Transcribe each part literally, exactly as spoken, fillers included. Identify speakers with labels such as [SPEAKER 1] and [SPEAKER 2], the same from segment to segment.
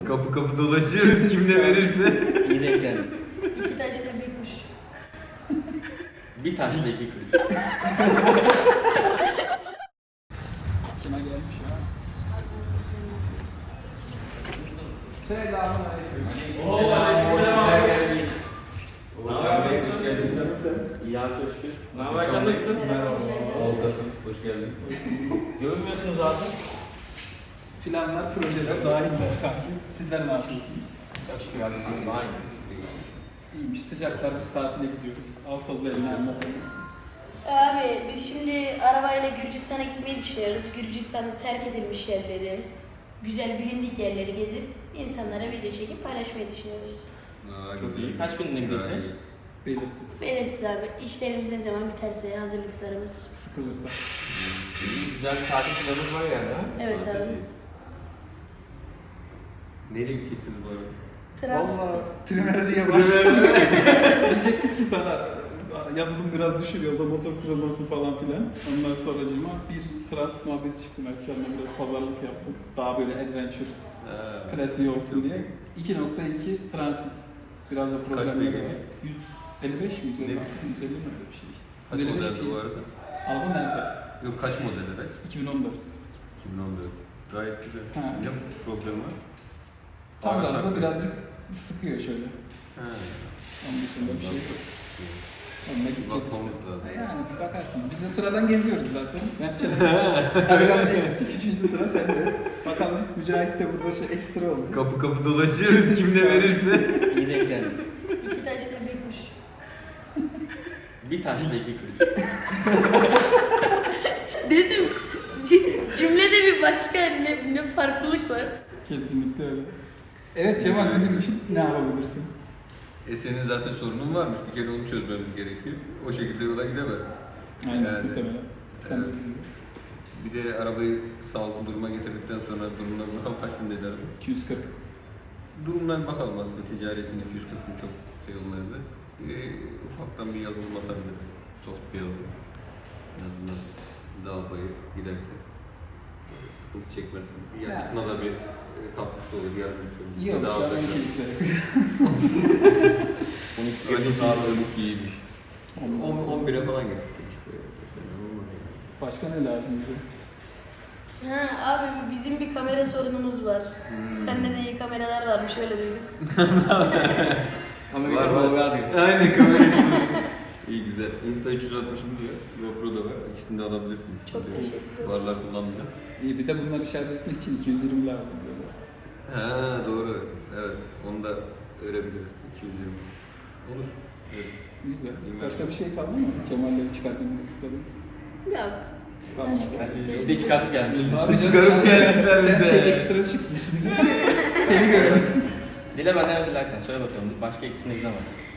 [SPEAKER 1] Kapı kapı dolaşıyoruz kim ne verirse.
[SPEAKER 2] İyi denk geldi.
[SPEAKER 3] İki taşla bir kuş.
[SPEAKER 2] Bir taşla iki kuş.
[SPEAKER 4] Kime gelmiş ya? Selamünaleyküm.
[SPEAKER 2] Oo, aleykümselam.
[SPEAKER 1] Hoş geldin.
[SPEAKER 2] İyi abi Coşkun. Ne haber can nasılsın?
[SPEAKER 1] Oldu. Hoş geldin.
[SPEAKER 2] Görünmüyorsunuz abi.
[SPEAKER 4] Planlar, projeler dahiller kanki. Sizler ne yapıyorsunuz?
[SPEAKER 2] Coşkun abi. Aynı.
[SPEAKER 4] İyiymiş, sıcaklar biz tatile gidiyoruz. Al sazı eline anlatalım.
[SPEAKER 3] Abi biz şimdi arabayla Gürcistan'a gitmeyi düşünüyoruz. Gürcistan'da terk edilmiş yerleri, güzel bilindik yerleri gezip insanlara video çekip paylaşmayı düşünüyoruz.
[SPEAKER 1] Aa,
[SPEAKER 2] Çok
[SPEAKER 1] güzel.
[SPEAKER 2] iyi. Kaç günlüğüne gidiyorsunuz?
[SPEAKER 4] Belirsiz.
[SPEAKER 3] Belirsiz abi. İşlerimiz ne zaman biterse hazırlıklarımız.
[SPEAKER 4] Sıkılırsa.
[SPEAKER 2] İyi, güzel bir tatil planınız var yani ha?
[SPEAKER 3] Evet
[SPEAKER 1] Aa,
[SPEAKER 3] abi.
[SPEAKER 1] tabii. Nereye gideceksiniz bu arada?
[SPEAKER 3] Transit.
[SPEAKER 4] Valla Primera diye başladım. Diyecektik ki sana yazılım biraz düşür yolda motor kırılması falan filan. Ondan sonracığıma bir transit muhabbeti çıktı. Mertcan'la biraz pazarlık yaptım. Daha böyle adventure
[SPEAKER 1] Ha.
[SPEAKER 4] klasiği olsun diye. iki nokta iki transit. Biraz da
[SPEAKER 1] Kaç
[SPEAKER 4] problemleri
[SPEAKER 1] beygir?
[SPEAKER 4] var. yüz elli beş mi? yüz elli altı
[SPEAKER 1] Ne?
[SPEAKER 4] yüz elli mi öyle bir şey işte.
[SPEAKER 1] Kaç
[SPEAKER 4] yüz elli beş
[SPEAKER 1] modeldi bu
[SPEAKER 4] P S.
[SPEAKER 1] arada?
[SPEAKER 4] Araba nerede?
[SPEAKER 1] Yok kaç model araç?
[SPEAKER 4] iki bin on dört.
[SPEAKER 1] iki bin on dört. Gayet güzel.
[SPEAKER 4] Ha.
[SPEAKER 1] Ne problem var?
[SPEAKER 4] Tam
[SPEAKER 1] Ara
[SPEAKER 4] gazda
[SPEAKER 1] sarkı.
[SPEAKER 4] birazcık sıkıyor şöyle.
[SPEAKER 1] Ha.
[SPEAKER 4] Onun dışında bir şey yok. Onunla gideceğiz işte.
[SPEAKER 1] Bakmamız lazım.
[SPEAKER 4] Yani bakarsın. Biz de sıradan geziyoruz zaten. Mertcan'a Kadir amcaya gittik. Üçüncü sıra sende. Bakalım Mücahit de burada şey ekstra oldu.
[SPEAKER 1] Kapı kapı dolaşıyoruz kim ne verirse.
[SPEAKER 2] İyi denk geldi.
[SPEAKER 3] İki taşla bir kuş.
[SPEAKER 2] Bir taşla iki kuş.
[SPEAKER 3] Dedim cümlede bir başka ne, ne farklılık var.
[SPEAKER 4] Kesinlikle öyle. Evet Cemal bizim için ne yapabilirsin?
[SPEAKER 1] E senin zaten sorunun varmış. Bir kere onu çözmemiz gerekiyor. O şekilde yola gidemezsin.
[SPEAKER 4] Aynen
[SPEAKER 1] Yani,
[SPEAKER 4] muhtemelen. Ben de
[SPEAKER 1] evet.
[SPEAKER 4] üzüldüm.
[SPEAKER 1] Bir de arabayı sağlıklı duruma getirdikten sonra durumuna bakalım kaç bin dedi araba.
[SPEAKER 4] iki yüz kırk.
[SPEAKER 1] Durumdan bakalım aslında ticari için iki yüz kırk bin çok şey olmayabilir. Ee, ufaktan bir yazılım atabiliriz. Soft bir yazılım. En azından daha bayır giderken e, sıkıntı çekmezsin. Yakıtına da bir e, katkısı olur, yardımcı olur.
[SPEAKER 4] İyi olmuş
[SPEAKER 1] Daha
[SPEAKER 4] ya
[SPEAKER 1] uzak-
[SPEAKER 4] on iki litre.
[SPEAKER 1] on iki daha on iki iyiymiş.
[SPEAKER 4] On-
[SPEAKER 1] on bire falan getirsin işte. Fena olmaz yani.
[SPEAKER 4] Başka ne lazım bize?
[SPEAKER 3] Ha abi bizim bir kamera sorunumuz var.
[SPEAKER 1] Hmm.
[SPEAKER 3] Sende de iyi kameralar varmış öyle duyduk.
[SPEAKER 2] Ama
[SPEAKER 1] Var,
[SPEAKER 2] bir
[SPEAKER 1] var.
[SPEAKER 2] Tolga diyorsun.
[SPEAKER 1] Aynen kamerası. İyi güzel. Insta üç yüz altmışımız var. GoPro da var. İkisini de alabilirsiniz.
[SPEAKER 3] Çok teşekkür ederim.
[SPEAKER 1] Varlar kullanmıyor.
[SPEAKER 4] İyi bir de bunları şarj etmek için iki yüz yirmi lazım diyorlar.
[SPEAKER 1] Ha doğru. Evet. Onu da öğrenebiliriz. iki yüz yirmi. Olur. Evet.
[SPEAKER 4] Güzel.
[SPEAKER 1] İyi,
[SPEAKER 4] Başka bir şey kaldı mı? Kemal'leri çıkartmamızı istedim.
[SPEAKER 3] Yok.
[SPEAKER 4] Tamam.
[SPEAKER 3] Başka-
[SPEAKER 2] Yani siz liste çıkartıp gelmişsiniz.
[SPEAKER 4] Abi canım,
[SPEAKER 1] çıkarıp
[SPEAKER 4] sen-
[SPEAKER 1] gelmişler
[SPEAKER 4] Sen
[SPEAKER 1] bize.
[SPEAKER 4] şey ekstra çıktı şimdi. Seni görmek.
[SPEAKER 2] Dile benden ne dilersen söyle bakalım. Başka ikisini izleme.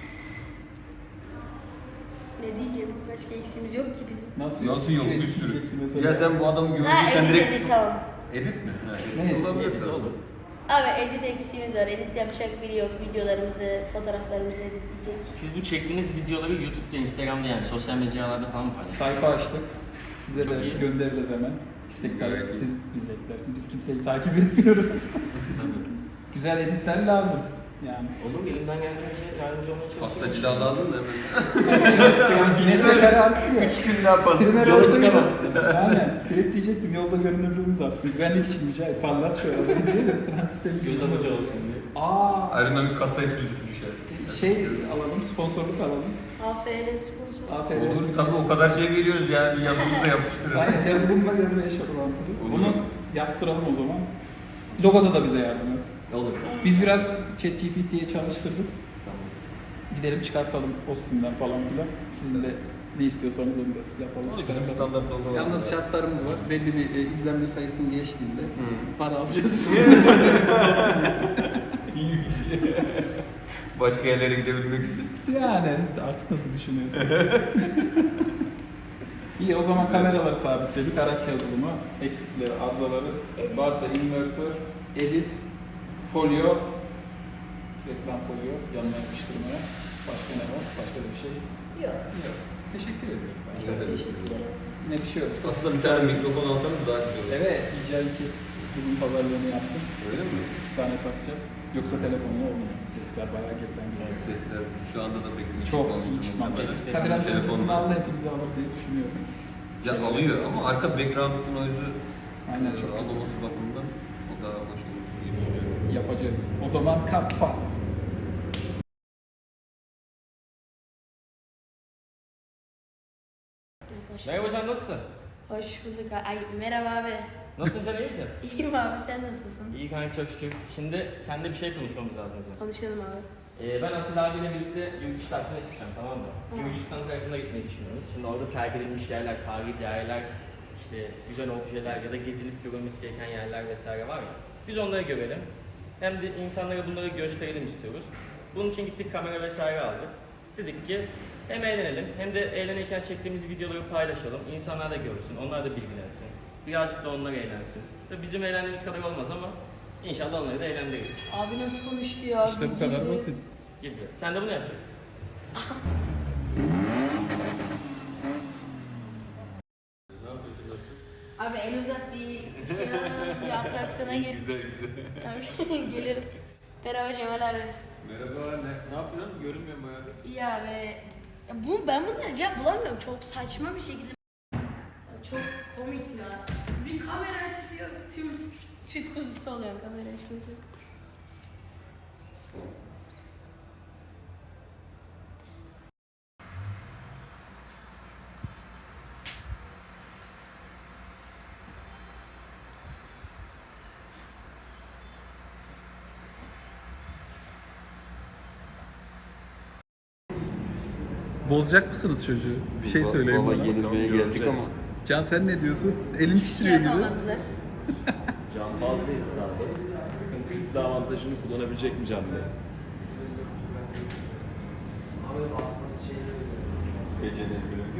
[SPEAKER 3] Ne diyeceğim? Başka eksiğimiz yok ki bizim.
[SPEAKER 4] Nasıl
[SPEAKER 1] Nasıl yok
[SPEAKER 4] Şey
[SPEAKER 1] bir sürü.
[SPEAKER 4] diyecektim mesela.
[SPEAKER 1] Ya sen bu adamı gördün
[SPEAKER 3] Ha
[SPEAKER 1] sen
[SPEAKER 3] edit
[SPEAKER 1] direkt...
[SPEAKER 3] edit tamam.
[SPEAKER 1] Edit mi? Ha,
[SPEAKER 4] Ne
[SPEAKER 1] edit
[SPEAKER 4] edit?
[SPEAKER 1] olabilir
[SPEAKER 2] Edit
[SPEAKER 1] tabii.
[SPEAKER 2] olur.
[SPEAKER 3] Abi edit eksiğimiz var. Edit yapacak biri yok. Videolarımızı, fotoğraflarımızı editleyecek.
[SPEAKER 2] Siz bu çektiğiniz videoları YouTube'da, Instagram'da yani sosyal mecralarda falan mı paylaşıyorsunuz?
[SPEAKER 4] Sayfa açtık. Size
[SPEAKER 2] Çok
[SPEAKER 4] de
[SPEAKER 2] iyi.
[SPEAKER 4] göndeririz hemen. İstekler
[SPEAKER 1] Evet.
[SPEAKER 4] siz bize eklersiniz. Biz kimseyi takip etmiyoruz.
[SPEAKER 2] Tabii.
[SPEAKER 4] Güzel editler lazım. Yani.
[SPEAKER 2] Olur mu? Elimden geldiğince yardımcı olmaya çalışıyorum.
[SPEAKER 1] Pastacı daha lazım da hemen.
[SPEAKER 4] Metrekare artıyor.
[SPEAKER 1] Üç gün daha pasta.
[SPEAKER 4] Primer
[SPEAKER 2] Yola
[SPEAKER 4] olsa
[SPEAKER 2] çıkamazsınız.
[SPEAKER 4] Aynen. Direkt diyecektim yolda görünürlüğümüz artsın. Güvenlik için Mücahit parlat şöyle diye de transitleri
[SPEAKER 2] Göz alıcı olsun diye.
[SPEAKER 4] Aa,
[SPEAKER 1] Aerodinamik katsayısı düş- düşer.
[SPEAKER 4] şey alalım, sponsorluk alalım.
[SPEAKER 3] A F R sponsor.
[SPEAKER 4] Aferin.
[SPEAKER 1] Olur tabii o kadar şey veriyoruz yani bir yazımızı da yapıştırın.
[SPEAKER 4] Aynen yazılımla yazı eş orantılı.
[SPEAKER 1] Olur.
[SPEAKER 4] Bunu yaptıralım o zaman. Logoda da bize yardım et.
[SPEAKER 2] Olur.
[SPEAKER 4] Biz biraz ChatGPT'ye çalıştırdık.
[SPEAKER 2] Tamam.
[SPEAKER 4] Gidelim çıkartalım Austin'den falan filan. Sizin de ne istiyorsanız onu da yapalım,
[SPEAKER 1] Bizim
[SPEAKER 4] çıkartalım.
[SPEAKER 1] standart logo var.
[SPEAKER 4] Yalnız şartlarımız var. Belli bir e, izlenme sayısını geçtiğinde
[SPEAKER 1] Hı.
[SPEAKER 4] para alacağız.
[SPEAKER 1] İyiymiş. Başka yerlere gidebilmek için.
[SPEAKER 4] Yani artık nasıl düşünüyorsun? İyi o zaman kameraları sabitledik. Araç yazılımı, eksikleri, arızaları,
[SPEAKER 3] Edit.
[SPEAKER 4] varsa invertör, edit, folyo, reklam folyo, yanına yapıştırmaya. Başka ne var? Başka da bir şey
[SPEAKER 3] Yok.
[SPEAKER 4] yok. Teşekkür ediyoruz.
[SPEAKER 1] Rica ederim.
[SPEAKER 3] Teşekkür ederim.
[SPEAKER 4] Yine bir şey yok.
[SPEAKER 1] Aslında bir tane mikrofon alsanız daha güzel olur.
[SPEAKER 4] Evet, D J I iki. Kızın pazarlığını yaptım.
[SPEAKER 1] Öyle mi?
[SPEAKER 4] İki tane takacağız. Yoksa telefonla olmuyor. Sesler bayağı geriden geliyor.
[SPEAKER 1] Sesler şu anda da pek iyi
[SPEAKER 4] Çok
[SPEAKER 1] çıkmamıştır
[SPEAKER 4] iyi çıkmamış.
[SPEAKER 1] muhtemelen.
[SPEAKER 4] Kadir amcanın
[SPEAKER 1] Telefonda-
[SPEAKER 4] sesini aldı hepinizi alır diye düşünüyorum.
[SPEAKER 1] Ya alıyor ama arka background noise'u
[SPEAKER 4] Aynen, çok
[SPEAKER 1] e,
[SPEAKER 4] kötü.
[SPEAKER 1] almaması bakımından o daha hoş olur diye düşünüyorum.
[SPEAKER 4] Yapacağız. O zaman kapat.
[SPEAKER 2] Merhaba Can, nasılsın?
[SPEAKER 3] Hoş bulduk. Ay merhaba abi.
[SPEAKER 2] Nasılsın Can, iyi misin?
[SPEAKER 3] İyiyim abi, sen nasılsın?
[SPEAKER 2] İyi kanka, çok şükür. Şimdi seninle bir şey konuşmamız lazım bizim.
[SPEAKER 3] Konuşalım abi.
[SPEAKER 2] Ee, ben Asil abiyle birlikte yurt dışı tatiline çıkacağım, tamam mı?
[SPEAKER 3] Tamam.
[SPEAKER 2] Gürcistan tarafına gitmeyi düşünüyoruz. Şimdi orada terk edilmiş yerler, tarihi yerler, işte güzel objeler ya da gezilip görülmesi gereken yerler vesaire var ya. Biz onları görelim. Hem de insanlara bunları gösterelim istiyoruz. Bunun için gittik, kamera vesaire aldık. Dedik ki hem eğlenelim hem de eğlenirken çektiğimiz videoları paylaşalım. İnsanlar da görsün, onlar da bilgilensin. Birazcık da onlar eğlensin. Tabii bizim eğlendiğimiz kadar olmaz ama inşallah onları da eğlendiririz.
[SPEAKER 3] Abi nasıl konuştu ya?
[SPEAKER 4] İşte bu kadar basit.
[SPEAKER 2] Gibi. Sen de bunu yapacaksın.
[SPEAKER 3] Abi el uzat, bir şey alalım, bir atraksiyona gir.
[SPEAKER 1] Güzel güzel.
[SPEAKER 3] Tamam gelirim. Merhaba Cemal abi.
[SPEAKER 1] Merhaba, ne, ne yapıyorsun? Görünmüyorum bayağı.
[SPEAKER 3] İyi abi. Ya bu, ben bunlara cevap bulamıyorum. Çok saçma bir şekilde. Çok komik ya. Bir kamera açılıyor, tüm süt kuzusu oluyor kamera açılınca.
[SPEAKER 4] Bozacak mısınız çocuğu? Bir şey söyleyin
[SPEAKER 1] Baba
[SPEAKER 4] bana.
[SPEAKER 1] yenilmeye geldik ama.
[SPEAKER 4] Can sen ne diyorsun? Elin
[SPEAKER 3] Hiçbir şey
[SPEAKER 4] titriyor gibi.
[SPEAKER 3] yapamazlar.
[SPEAKER 5] Can fazla iddialı. Bakın kütle avantajını kullanabilecek mi Can Bey?
[SPEAKER 1] Gecenin bölümü.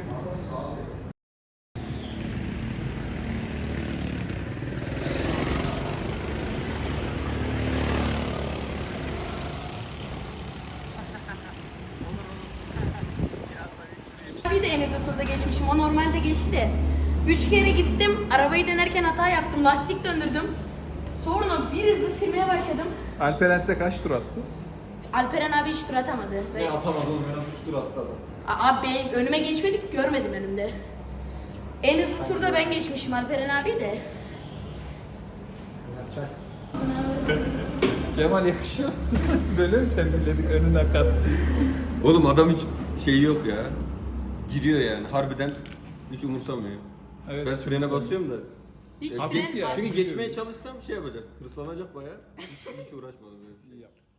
[SPEAKER 3] Bir de en hızlı turda geçmişim. O normalde geçti de. Üç kere gittim. Arabayı denerken hata yaptım. Lastik döndürdüm. Sonra bir hızlı sürmeye başladım.
[SPEAKER 4] Alperen size kaç tur attı?
[SPEAKER 3] Alperen abi hiç tur atamadı. Ve...
[SPEAKER 5] Atamadım, ben üç tur atladım.
[SPEAKER 3] Abi ben- önüme geçmedik, görmedim önümde. En hızlı turda ben geçmişim Alperen abi de.
[SPEAKER 4] Cemal yakışıyor musun? Böyle mi tembihledik önüne kat diye?
[SPEAKER 1] Oğlum adam hiç şey yok ya. Giriyor yani harbiden hiç umursamıyor.
[SPEAKER 4] Evet,
[SPEAKER 1] Ben
[SPEAKER 4] hiç
[SPEAKER 1] frene
[SPEAKER 4] umursamıyor.
[SPEAKER 1] basıyorum da.
[SPEAKER 3] Hiç
[SPEAKER 1] E,
[SPEAKER 4] Hafif
[SPEAKER 3] fren
[SPEAKER 4] ya.
[SPEAKER 3] bas-
[SPEAKER 1] Çünkü geçmeye çalışsam şey yapacak, hırslanacak bayağı. Hiç, hiç uğraşmadım böyle bir şey.
[SPEAKER 4] İyi yapmışsın.